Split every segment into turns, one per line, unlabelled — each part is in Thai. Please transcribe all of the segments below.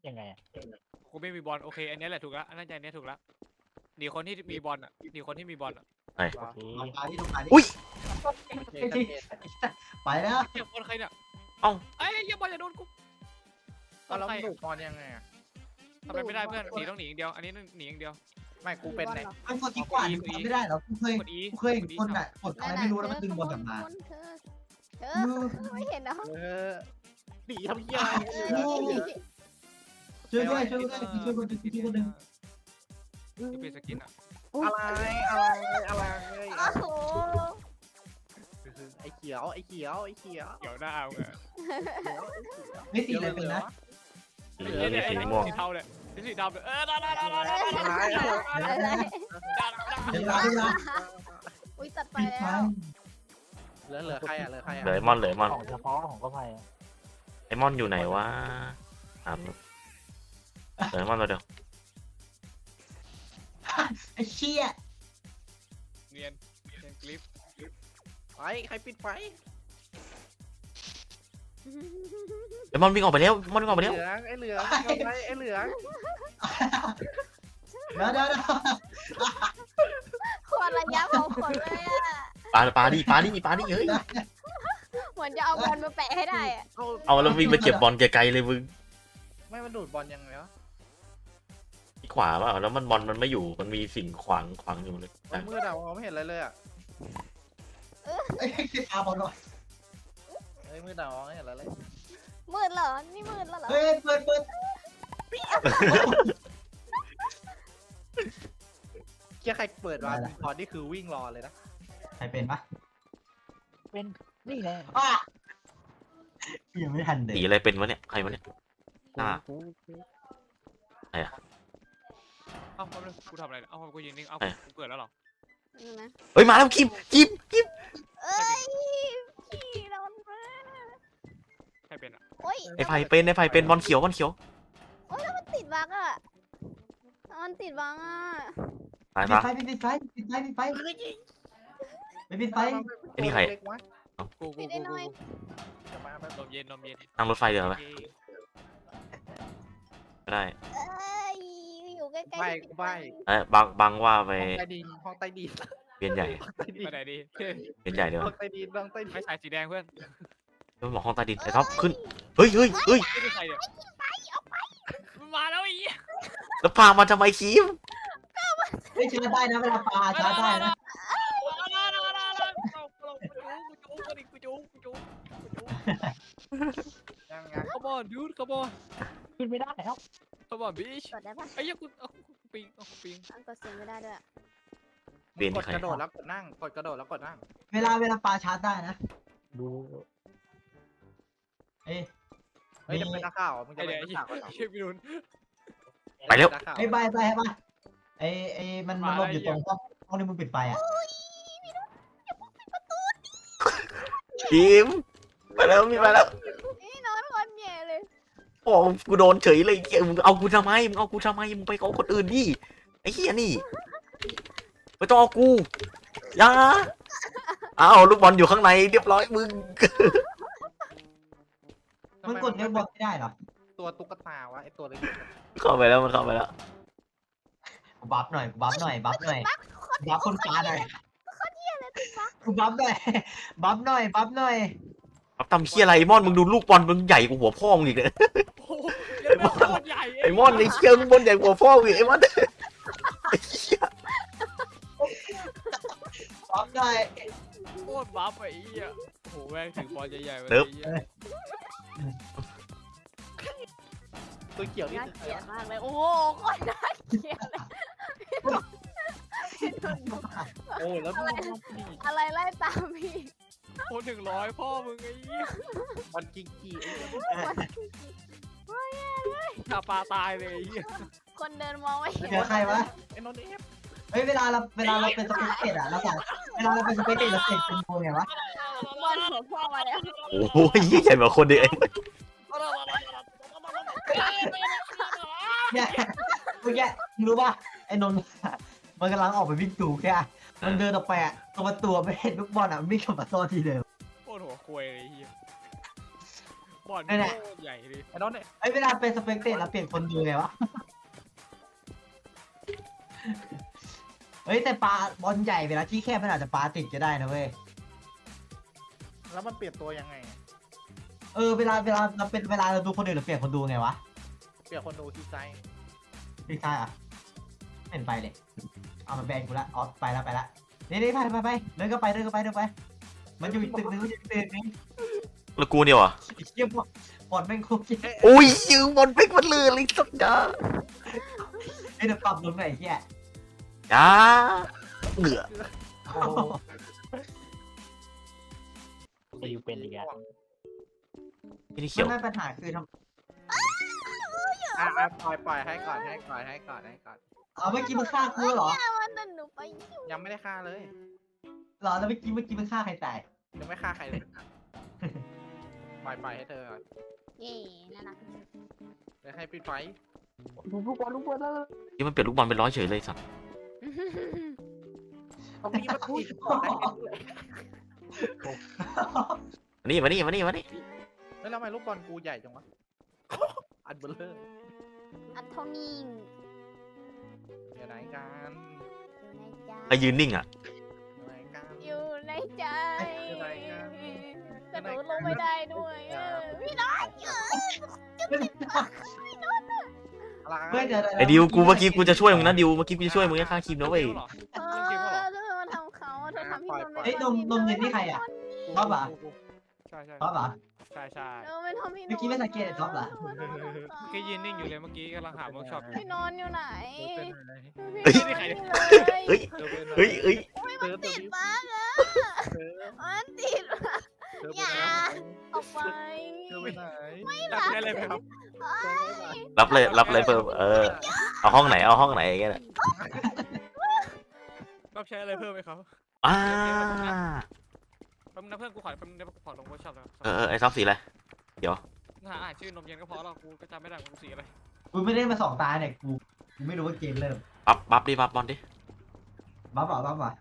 ยังไงอ่ะ
กูไม่มีบอลโอเคอันนี้แหละถูกแล้วอันนั้นใจนี้ถูกแล้วหนีคนที่มีบอลอ่ะหนีคนที่มีบอลอ่ะ
โอเค
ปลาที่ตรงปลาที่
อุ้ย
ไปแล้ว
เก็บบอลใครเนี่ย
เอ้า
ไอ้เหี้ยบอลอย่าโดนกู
เอาแล้ว
ใคร
ดูดบอลยังไงอะ
ทำไมไม่ได้เพื่อนหนีต้องหนีอย่างเดียวอันนี้หนีอย่างเดียว
ไม่กูเป็นไหน
มันกดที่กว่าไม่ได้หรอกูเคย
กดอี
กูเคยคนอ่ะกดอะไรไม่รู้แล้วมันดึงบอลกลับมา
เธอไม่เห็นเหรอ
หนีทำเหี้ยอะไร
ช่วยด้วยช่วยด้วยช่วยคนดึงช่วยคนดึง
ที่เป็นสกินอ่ะ
อะไร
โอ้โห
ไอ้เขียวไอ้เขียวไอ้เขียว
เดี๋ยวหน้าเอาไง
ไม่ตีอะไรเป็นนะ
สีเหลืองหรือสีม่วง
สีเทาเลยสีดำเลยได้
อะไร
เวลาเวลา
อุ้ยตัดไป
ปิดไฟ
แล้ว
เหลือใครอ่ะเหลือใครอ่ะ
เหลือไอมอนเหลือไอมอน
ของเฉพาะของก็ไป
ไอมอนอยู่ไหนวะถามเหลือไอมอนตัวเดียว
ไอ้เชี่ย
เนียนคลิป
ไฟใครปิดไฟ
ไอมอนวิ่งออกไปแล้วมอนวิ่งออกไป
เห
แล้ว
ลืองไอ้เหลืองไอ้เหลือง
เดี๋ยว
คนระยะของคนเลยอ่ะ
ปาดิเฮ้ย
เหมือนจะเอาบอลมาแปะให้ได้อ่ะ
เอาแล้ววิ่งไปเก็บบอลไกลๆเลยมึง
ไม่มันดูดบอลยังไงวะ
ที่ขวาเปล่าแล้วมันบอลมันไม่อยู่มันมีสิ่งขวางอยู่เลย
มันมืดอ่ะมองไม่เห็นอะไรเลยอ่ะ
ไอ้ตาบอลหน่อย
เฮ้ยมืดอ่ะมองไม่เห็นอะไรเลย
มืดเหรอนี่มืดแล้วเหรอ
เฮ้ยเปิด
เคียใครเปิดมาตอนนี้คือวิ่งรอเลยนะ
ใครเป็นปะ
เป็นนี่แหละ
ยังไม่ทันเด็ก
สีอะไรเป็นวะเนี่ยใครวะเนี่ยหน้า
กู
เอ้ากูทำอะไรเอ้ากูยืนนิ่งเอ้ากูเกิดแล้วหรอ
นี่นะ
เฮ้ยมาแล้วคิม
เอ้ยพี่โดนมา
ใครเป็นอ่ะ
โอ้ย
ไอไผ่เป็นบอลเขียว
มันติดบั๊กอ่ะมันติดบั๊กอ่ะ
ตาย
ปิด
ปะ
ไฟปิดไฟปิดไฟปิดไฟไม่ปิดไฟ
ไอ้นี่ใคร
เล็กวะ
กู
จะมาแบบ
นมเย็น
นั่งรถไฟเดี๋ยวไหมไม่ได้
เอ้ยอยู่ใกล้ๆ
ใบกูใบ
บังว่าไป
ห้องใต้ดิน
เวียนใหญ่
ห้องใต้ดิน
ไปไหนดี
เวียนใหญ่เดี๋ยว
ห้องใต้ดินห้องใต้ดิ
ไม่
น
ใส่สีแดงเพื่อน
ต้องบอกห้องใต้ดินไอ้ท็อปขึ้นเฮ้ย
ไม่ได้ใส่เนี่ยมาแล้วอี
แล้วพามาทำไมคิม
ไม่ชาร์จได้นะเวลาปลาชาร์จได้นะ
ยังไง
Come on dude come on
ขึ้นไม่ได้แล้ว
come on bitch
กดได้ปะ
ไอ้ยังกูปิงปิง
กดเสียงไม่ได้ด้วย
กดกระโดดแล้วกดนั่งกดกระโดดแล้วกดนั่ง
เวลาปลาชาร์จได้นะ
ดู
เอ้ย
เฮ้ยจะเป็นนักข่าวมึงจะ
ไอ้
เป็
เดี๋ย
น
ไอ้
นักข่าว
เชี่ยพี่นุน
ไปแล้ว
ไอ้ใบให้ป่ะไอ้มันหลบอยู่ตรงห้องที่มึงปิดไฟอ่ะ
คิมไปแล้วมีไปแล้ว
นี่นอนคนแย่เลย
โอ้กูโดนเฉยเลยมึงเอากูทำไมมึงไปเอาคนอื่นดิไอ้เหี้ยนี่ไม่ต้องเอากูอย่าเอาลูกบอลอยู่ข้างในเรียบร้อยมึง
มันกดเล่นบอลไม่ได้หรอ
ตัวตุ๊กตาวะไอตัวเล็ก
เข้าไปแล้วมันเข้าไปแล้ว
บัฟหน่อยบัฟคนฟ้าหน่อยกูบัฟหน่อยบัฟหน่อย
ครับทำเหี้ยอะไรไอ้มอนมึงดูลูกบอลมึงใหญ่กว่าหัวพ่อมึงอีกเลย
โอ้ยเป็นโคตรใหญ่
ไอ้มอนไอ้เชี่ยลูกบอลใหญ่กว่าหัวพ่อมึงอีกไอ้มอนไอ้เหี้ย
บัฟหน่อย
โคตรบัฟไอ้เหี้ยโหแม่งถึงบอลใหญ่ๆเลย
ตัวเขียวนี่
น่าเกลียดมากเลยโอ้โหโคตรน่าเกลียดเลย
โอ้แล้วดูนี่
อะไรไล่ตามพี่
โคตร100พ่อมึงไอ้เหี้ย
มันกิงกี้ไอ้
ถ้าปลาตายเลยไอ้เหี้ย
คนเดินมองไม่เห็น
เจอใครวะ
ไอ้นนท์เอฟ
เฮ้ยเวลาเราเป็นสเปกเตอร์อะเราสั่งเวลาเราเป็นสเปกเตอร์เราเสร็จเป็นโมไงวะ
บอลหัวพ่อมาแล้ว
โอ้ยเหี้ยใหญ่กว่าคนเดียวเอง
เนี่ยเมื่อกี้รู้ป่ะไอ้นนท์มันกำลังออกไปวิ่งตู่แค่มันเดินออกไปอะตรงประตูไม่เห็นลูกบอลอะวิ่งกลับมาซ่อนที่เดิม
โคตรหัวควยเลยไอ้เหี้ยบบอล
นั่นแหละ
โคตรใหญ่เลย
ไอ้น้องเนี่ย
ไอ้ยเวลาเป็นสเปกเตอร์เราเปลี่ยนคนดูไงวะเฮ้ยแต่ปลาบอลใหญ่เวลาที่แคบมันอาจจะปลาติดก็ได้นะเว้ย
แล้วมันเปลี่ยนตัวยังไง
เวลาเราเป็นเวลาเราดูคนอื่นเราเปลี่ยนคนดูไงวะ
เปลี่ยนคนดูที่ใจ
พี่ชายอ่ะไม่เห็นไปเลยเอามาแบนกูละอ๋อไปละนี่ไปเดินก็ไปมันอยู่อีกตึกนึงมันอยู่อีกตึกนึง
แล้วกูเนี่ยวะ
ไอ้เชี่ยบอลแม่งโคตรเจ๊
อุ้ยยืมบอลเป็กมันเลยเลยสักดา
ไอ้เดี๋ยวปรับลงหน่อยไอ้เหี้ย
จ้าเหงื่อ
โอ้โห
จะอยู่เป็นอีกแล้ว
ไม่ได้เขียว
ไม่ปัญหาคือท
ปล่อยให้ก่อนให้ก่อน
ำเอาเมื่อกี้มึงฆ่ากูเหรอ
วันนั้นหนูไป
ยังไม่ได้ฆ่าเลย
เหรอแล้วเมื่อกี้มึงฆ่าใครตาย
ยังไม่ฆ่าใครเลย ปล่อยให้เธอก่อน
เย่น่ารัก
เดี๋ยวให้ปิดไฟ
ลูกบอลแล้ว
ที่มันเปลี่ยนลูกบอลเป็นร้อยเฉยเลยสัตว์
ตรงนี้มันคุยก่อนได้เลย
มานี่
แล้วทำไมลูกบอลกูใหญ่จังวะ อันเบลเลอร์
อันเท่านี้
เดี๋ยวไหนกัน
อยู่ในใจ
ไอ้ยืนนิ่งอ่ะ
ไหนกัน
อยู่ในใจ
อยู่ไหนกัน
กระโดดลงไม่ได้ด้วยพี่น้อย
อะไร
เฮ้ยเดี๋ยว
ไอ้ดิวกูเมื่อกี้กูจะช่วยมึงนะดิวเมื่อกี้กูจะช่วยมึงให้ฆ่าคิมนะเว้ย
เกมเหรอ
เธอมาทำเขาเธอทำพี่นนท์
เฮ้ยนมเย็นนี่ใครอ่ะ ท็อปเหรอ
ใช่
ท็อปเหรอ
ใช่
เธอไม่ทำพี่นนท์
เมื่อกี้ไม่สังเกตท็อปเหรอ
เมื่อกี้ยืนนิ่งอยู่เลยเมื่อกี้กำลังหาเวิร์กช็อปอยู่
พี่นนท์อยู่ไหน
เฮ้ย
พี่นนท์
เฮ้ย เฮ้ย
มันติดมากอะมันติดมาก อย่า ออกไป
เธอไปไหน
รับได้เลยไหมครับ
รับเลยเพิ่มเอาห้องไหนอย่างเงี้ย
รับใช้อะไรเพิ่มไหมครับ
อ่า
แป๊บนึงนะเพื่อนกูขอแป๊บนึงนะกูขอลงเวิร์กช็อปแล้ว
ไอ้ซอฟสีอะไร
หาอ่านชื่อนมเย็นก็พอแล้วกูก็จำไม่ได้กูสีอะไร
กูไม่ได้มา2 ตาเนี่ยกูไม่รู้ว่าเกมเริ่ม
บัฟบอลดิ
บัฟเหรอ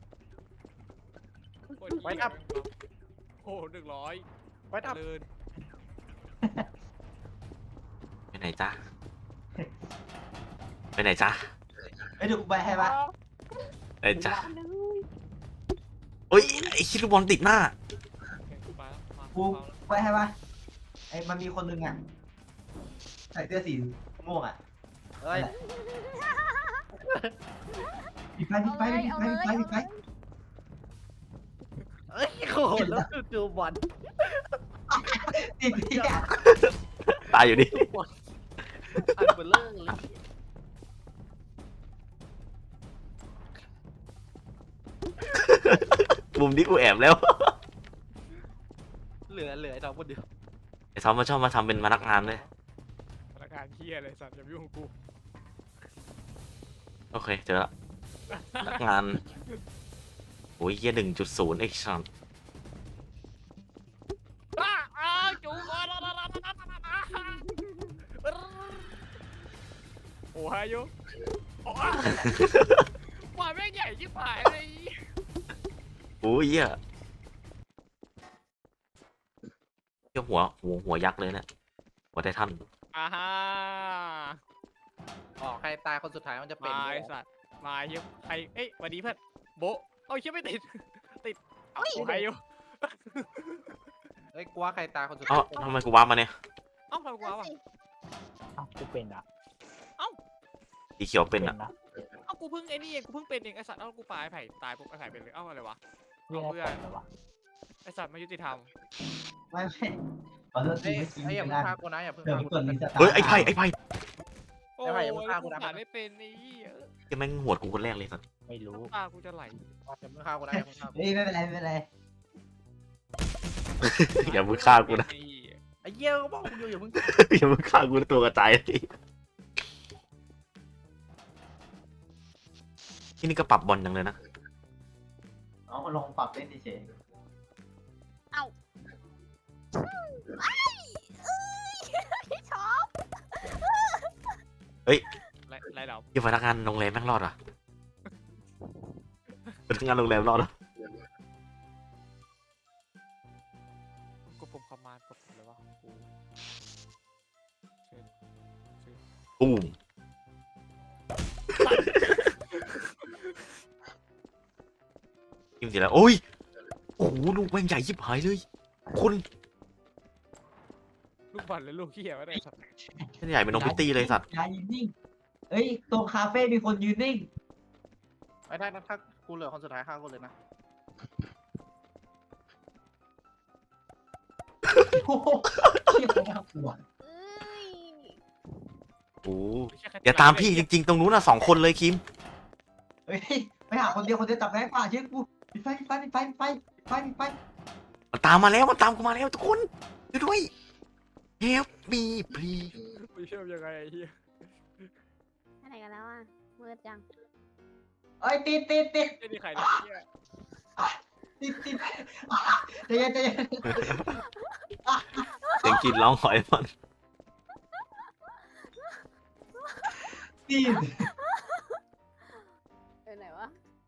ไว้ครับโอ้100
ไว้ดับ
เลิน
ไปไหนจ๊ะ
เฮ้ยเดี๋ยวกูไปให้ปะ
ไปจ๊ะเฮ้ยไอ้คิดลูกบอลติดหน้า
กูไปแล้วมา
กูไปให้ปะไอ้มันมีคนนึงอ่ะใส่เสื้อสีม่วงอ่ะ
เฮ้ย
ปิดไฟ
เอ้ยโหแล้วดูบอล
ติดที่อ่ะ
ตายอยู่ดิ
ดูบอลอันเบลเลอร์เลย
มุมนี้กูแอบแล้ว
เหลือไอ้ดอกคนเดียว
ไอ้ซอฟมันชอบมาทำเป็นพนักงานเลย
พนักงานเฮียอะไรสัตว์อย่ามายุ่งกับกู
โอเคเจอละพนักงานโอ้ยเหี้ย1.0 เอ็กซ์ชัน
จูก่อนโอ้ฮายุโอ้ว่าแม่งใหญ่ชิบหายเลย
โอ้ยเหี้ยหัวยักษ์เลยเนี่ยหัวไททัน
อ่าฮะ
อ๋อใครตายคนสุดท้ายมันจะเป็น
มาไอสัตว์มาเยอะใครเอ้ยสวัสดีเพื่อนโบเอ้ยเชื่อไม่ติดเอาโอ้ฮายุ
เฮ้ยกูว่าใครตายคนสุด
เอ้า
ท้าย
ทำไมกูว้าร์ปมาเนี่ย
เอ้าทำกูวะ
อ้าวกูเป็นอ่ะ
สีเขียวเป็นอ่ะ
นะ
เอ้ากูเพิ่งไอ้นี่เองกูเพิ่งเป็นเองไอสัตว์เอ้ากูปาไอ้ไผ่ตายปุ๊บไอ้ไผ่เป็นเลยเอ้าอะไรวะ
วิ่งให้เป็นเลยวะ
ไอสัตว์ไม่ยุติธรรม
ไม่ขอโทษที
เฮ้ย
เมื่อกี้
ไอ้
ไม่
อย่าเพิ่
ได้
งฆ่ากูนะอย่าเพิ่ง
เดี๋ยว
ฆ่า
กู
กู
กดรีสตาร์ท
เฮ้ยไอ้ไพ่
โอ้
ไอ้
ย
ไผ่อย่าเพิ่งฆ่ากู
กู
นะ
ขาดไม่เป็นนี่
ยังแม่งหัวดกูคนแรกเลยสัส
ไม่รู้
ตากูจะไหล
อย่าเพิ่งฆ่ากูนะอย่าเพิ่งฆ่ากู
เฮ้ยไม่เป็นไร
อย่ามึงฆ่ากูนะ
ไอ้เหี้ยก็บอกกูอยู่อย่าเพิ่ง
อย่ามึงฆ่ากูนะตัวกระจายที่นี่ก็ปรับบอลจังเลยนะ
เอามาลองปรับเล่นเฉย
พี่ชอบ
ไรเรา
ยี่พนักงานโรงแรมแม่งรอดอ่ะพนักงานโรงแรมรอดอ่ะ
กูปุ่มคอมมานด์กดเลยวะกู
ตูมยิงสิแล้วโอ้ยโอ้โหลูกแม่งใหญ่ยิบหายเลยคน
ลูกบอลหรือลูกเหี้ยวะเนี่ยสัตว์
เส้นใหญ่เป็นนมพิตตี้เลยสัตว์
อย่ายืนนิ่งเอ้ยตรงคาเฟ่มีคนยืนนิ่ง
ไอ้ถ้ากูเหลือคนสุดท้ายฆ่ากูเลยนะ
โอ้โหเชี่ยน่ากลัว
เอ้ย
โอ้โห
ไม่ใช่แค่
อย่าตามพี่จริงๆตรงนู้นน่ะ2 คนเลยคิม
เฮ้ยไปหาคนเดียวจับแรงกว่าเชื่อกูปิดไฟ
มันตามมาแล้วมันตามกูมาแล้วทุกคนช่วยด้วย help me please
ไม่เชื่อยังไงไอ้เหี้ย
ไปไหนกันแล้วอ่ะมืดจัง
เอ้ยติด
ไอ้นี่ใครเนี่ยไอ้เหี้ย
ใจเย็น
เสียงกรีดร้องหอยมัน
ติด
ไปไหนวะ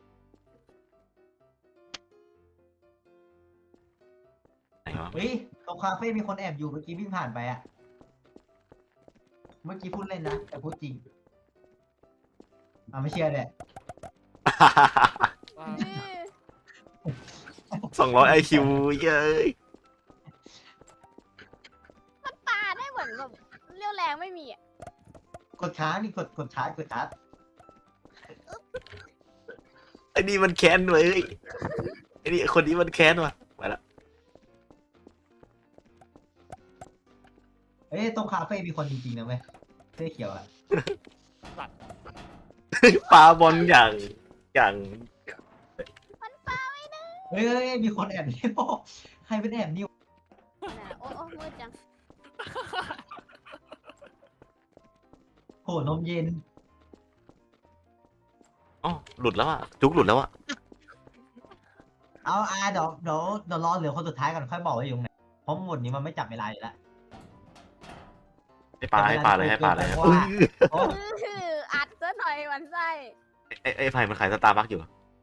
ไหนวะ
เฮ้ยตรงคาเฟ่มีคนแอบอยู่เมื่อกี้วิ่งผ่านไปอ่ะเมื่อกี้พูดเล่นนะแต่พูดจริงไม่เชื่อเลย
ว้าว
200 IQ เย้ย
ปาได้เหมือนแบบเรี่ยวแรงไม่มีอ่ะ
กดช้านี่กดช้า
ไอ้นี่มันแค้นเว้ยไอ้นี่คนนี้มันแค้นว่ะไปละ
เอ้ยตรงคาเฟ่มีคนจริงๆนะเว้ยเสื้อเขียวอ่ะ
ปาบอลอย่าง
เฮ้ยมีคนแอบนิ้วใครเป็นแอบนิ้ว
ไหนโอ้มืดจัง
โหนมเย็น
อ๋อหลุดแล้วอ่ะจุกหลุดแล้วอ่ะ
เอาเดี๋ยวรอเหลือคนสุดท้ายก่อนค่อยบอกว่าอยู่ตรงไหนเพราะหมดนี้มันไม่จับเวลาอยู่แล้ว
ให้ปลาเลย
เพราะว่า โอ้
อัดซะหน่อยหวันไส้
ไอ้ไผ่มันขายสตาร์บัคอยู่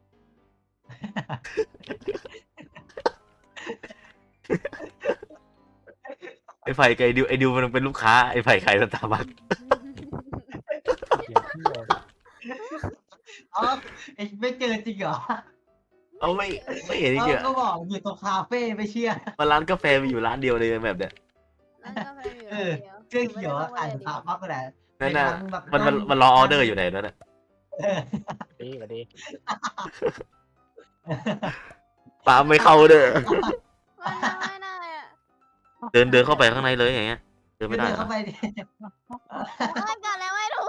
ไอ้ไผ่กับไอ้ดิวมันเป็นลูกค้าไอ้ไผ่ขายสตาร์บัค
เดี๋ยวพี่เลย
เอาเอ็งไม่เจอจริงเหรอ
เอาไม่เห็นจริงๆ
ก็บอกอยู่ตรงคาเฟ่ไม่เชื่อ
มันร้านกาแฟมีอยู่ร้านเดียวเลยแบบเนี้ย
แล้วก็ไปอยู่
เออ เสื้อเขียวอ่านภาพปั๊บก็ได้
นั่นน่ะมันรอออเดอร์อยู่ไหนนั่นน่ะ
ดีกว่าดี
ปลาไม่เข้าเด้อ
ไม่ได้อ่ะ
เดินเข้าไปข้างในเลยอย่างเงี้ยเดินไม่ได้
เดิน
เหรอ
เข้าไปดิ
เล่นกันแล้วไม่รู้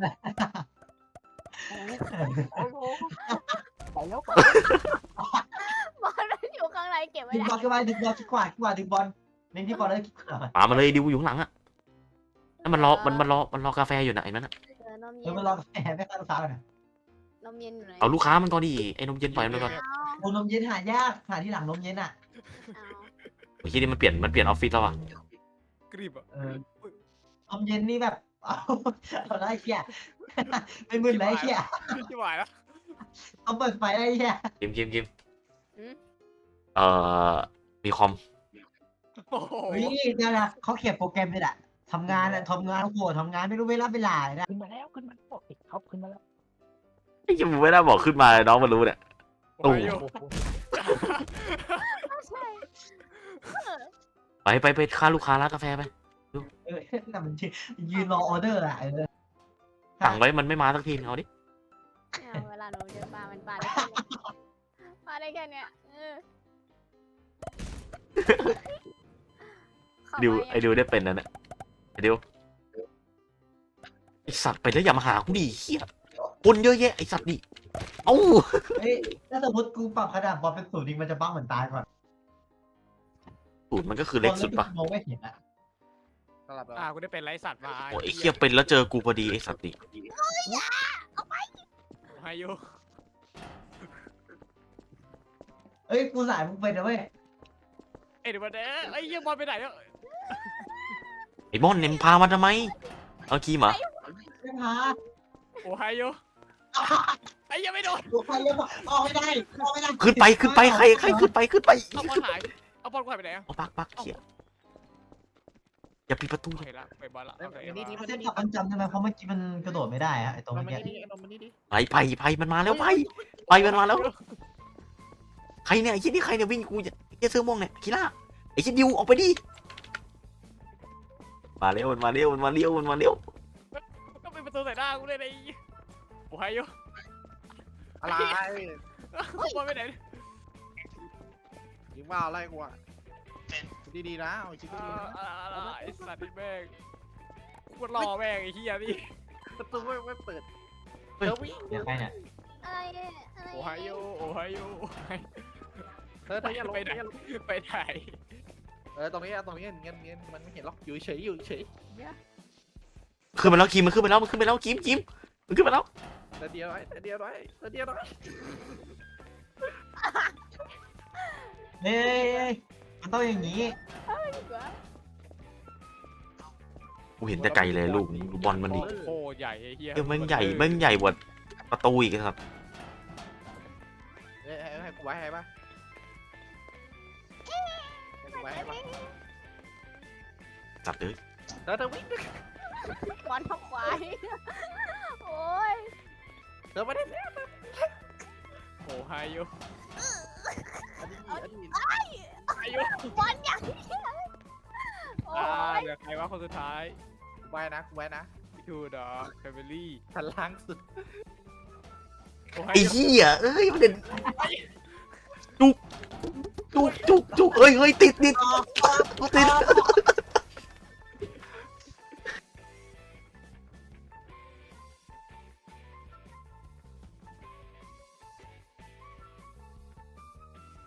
โอ้โหไปแล้วไป
บอลมันอยู่ข้างในเก็บไว้
ดึง
ได้
บอลขึ้นมาดึงบอลคิดกว่าดึงบอลเน้นที่บอลแล้วคิดกว่า
ปลามาเลยดิวอยู่ข้างหลังอ่ะนั่นมันรอกาแฟอยู่นะไอ้นั่นอ่ะ
นม
เอ
เย็
อน มันรอแหมไม่เข้าลูกค้าเลย
นมเย็นอยู่ไหน
เอาลูกค้ามันก่อนดิไอ้นมเย็นปล่อยมันไปก่อน
โอ้นมเย็นหายากหาที่หลังนมเย็นอ่ะ
เมื่อกี้นี่มันเปลี่ยนออฟฟิศแล้วอ่ะ
กรีบอ่ะ
นมเย็นนี่แบบเอาได้เชี่ยไม่มึนเลยเชี่ย
ที่หวายแล้ว
เอาเปิดไฟได้เชี่ย
กิมมีคอม
โอ้โห
เฮ้ยเดี๋ยวนะเขาเขียนโปรแกรมเลยแหละทำงานโอ้โหทำงานไม่รู้เวลานะ
ขึ้นมาแล้วโอ้ยเขาขึ้นมาแล้ว
ไอ้ยังไม่ได้บอกขึ้นมาน้องมันรู้เนี่ย
โอ้ย
ใช่
ไปค่าลูกค้าร้านกาแฟไป
แต่มันยืนรอออเดอร์อ่ะ
สั่งไว้มันไม่มาสักทีเอาดิ
เวลาหนูเจอปลามันปลาได้แค่เนี้ยปลาได้แค่เนี้ย
ไอ้ดิวได้เป็นนั่นแหละไอ้ดิวไอสัตว์ไปแล้วอย่ามาหากูดิเฮียคนเยอะแยะไอสัตว์ดิเอ้า
เฮ้ยถ้าสมมติกูปรับขนาดบอลเป็น0 มันจะบ้าเหมือนตายก่อน
สูตรมันก็คือเล็กสุดปะ
มองไม่เห็นอ่ะ
สลับแล้ว
กูได้เป็นไรสัตว์มา
โอ้ยไอ้เฮียเป็นแล้วเจอกูพอดีไอสัตว์ดิ
ไฮโย
เอ้ยกูสายมึงเป็นนะเว้ย
เดี๋ยวมาเด้อไอ้เหี้ยบอลไปไหนแล้ว
ไอ้มอนเนี่ยมึงพามาทำไมเอาคีมเหรอ
ไม่พา
โอ้ไฮโยไอ้เหี้ยไม่โดน
กูไปยังออกไม่ได้
ขึ้นไปใครขึ้นไป
เอาบอลหายเอาบอลกูหายไปไหนอ่ะ
เอาปักเขียอย่าปิดประตู
โอเคละไปบอลละ
เอ้ย
โอเค
อันนี้
มา
นี่
เส้นจับมันจำได้ไหมเพราะเมื่อกี้มันกระโดดไม่ได้อะไอ้ตรง
มัน
เมื่อ
มา
กี้
นี่ดิมันมานี่ดิ
ไปมันมาแล้วไปมันมาแล้วใครเนี่ยไอ้ชิ้นนี่ใครเนี่ยวิ่งกูจะไอ้เสื้อม่วงเนี่ยคีล่าไอ้ชิ้นดิวออกไปดิมาเร็วมันมาเร็ว
ก็เป็นประตูใส่หน้ากูเลยไอ้โอ้ยโย
อะไร
บอลไปไหน
ยิงว่าอะไรกูอ่ะดีๆนะเอาชิ้นดีๆนะ
ไอ้สัตว์นี่แม่งกูรอแม่งไอ้เหี้ยนี่
ประตูไม่เปิด
เฮ้ย
เธอวิ่ง
เดี๋ยวใครเนี่ย
อะไรเนี่ยอะไร
โอ้ยโยโอ้ยโย
เธออย่าลง
ไปไหน
อย่าลง
ไปไหน
ตรงนี้เงี้ยมันไม่เห็นหรอกอยู่เฉยอยู่เฉย
ขึ้นมาแล้วคิมมันขึ้นไปแล้วคิมมันขึ้นมาแล้ว
เดียวไว้เดียวไว้
เฮ้ยมันต้องอย่างนี้
กูเห็นแต่ไกลเลยลูกบอลมันดิ
โอ้ใหญ่ไอ้เหี้ย
เดี๋ยวแม่งใหญ่กว่าประตูอีกครับ
ให้กูไว้ให้ปะให้กูไว้ให้ปะ
จัดเลย
เธอวิ่ง
บอลทับควายโอ้ย
เธอไม่ได้
โอ้ยโย
อันนี้
ไอ้โย
บอลอย่างนี้โอ้ย
เหลือใครวะคนสุดท้าย
ไว้นะกูไว้นะ
ทูดอแฟมิลี่
ชั้นล่างสุด
โอ้
ไอ้
ย
เหี้ยเอ้ยมันเด่นจุกเอ้ยติดกูติด